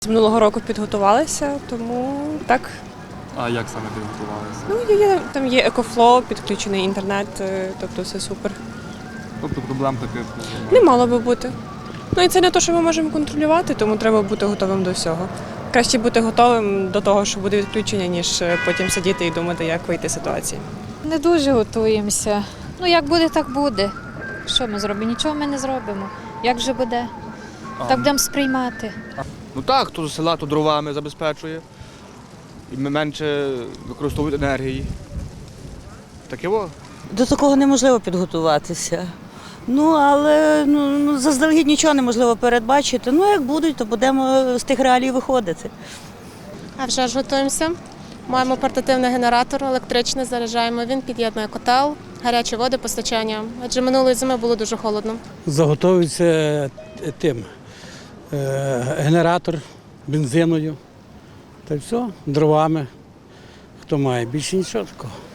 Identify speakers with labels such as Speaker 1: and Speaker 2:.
Speaker 1: З минулого року підготувалися, тому так.
Speaker 2: А як саме підготувалися?
Speaker 1: Там є екофлоу, підключений інтернет, тобто все супер.
Speaker 2: Тобто проблем таких
Speaker 1: Не мало би бути. Ну і це не те, що ми можемо контролювати, тому треба бути готовим до всього. Краще бути готовим до того, що буде відключення, ніж потім сидіти і думати, як вийти з ситуації.
Speaker 3: Не дуже готуємося. Ну, як буде, так буде. Що ми зробимо? Нічого ми не зробимо. Як же буде? Так будемо сприймати.
Speaker 4: Ну так, хто з села, то дровами забезпечує. І менше використовують енергії. Таке во.
Speaker 5: До такого неможливо підготуватися. Але заздалегідь нічого неможливо передбачити. Як будуть, то будемо з тих реалій виходити.
Speaker 6: А вже ж готуємося. Маємо портативний генератор електричний, заряджаємо. Він під'єднує котел, гарячі води, постачання. Адже минулої зими було дуже холодно.
Speaker 7: Заготовується генератор бензиною. Та й все, дровами. Хто має, більше нічого такого.